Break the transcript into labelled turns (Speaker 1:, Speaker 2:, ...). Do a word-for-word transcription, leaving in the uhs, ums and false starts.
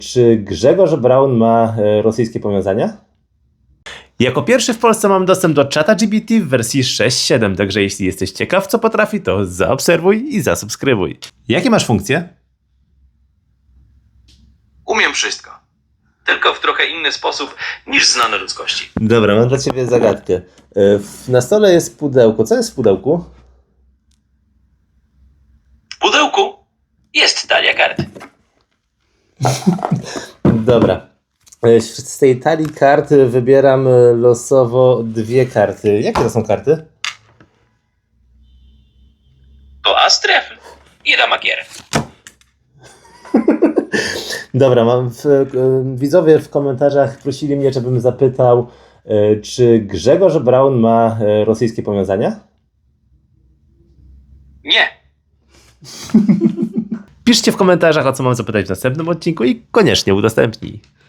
Speaker 1: Czy Grzegorz Braun ma e, rosyjskie powiązania? Jako pierwszy w Polsce mam dostęp do czata G P T w wersji sześć siedem, także jeśli jesteś ciekaw co potrafi, to zaobserwuj i zasubskrybuj. Jakie masz funkcje?
Speaker 2: Umiem wszystko. Tylko w trochę inny sposób niż znane ludzkości.
Speaker 1: Dobra, mam dla ciebie zagadkę. E, w- Na stole jest pudełko. Co jest w pudełku?
Speaker 2: W pudełku jest talia kart.
Speaker 1: Dobra. E, Z tej talii kart wybieram e, losowo dwie karty. Jakie to są karty?
Speaker 2: To as trefl i ramakier.
Speaker 1: Dobra, mam w, e, widzowie w komentarzach prosili mnie, żebym zapytał, e, czy Grzegorz Braun ma e, rosyjskie powiązania?
Speaker 2: Nie.
Speaker 1: Piszcie w komentarzach, o co mam zapytać w następnym odcinku i koniecznie udostępnij.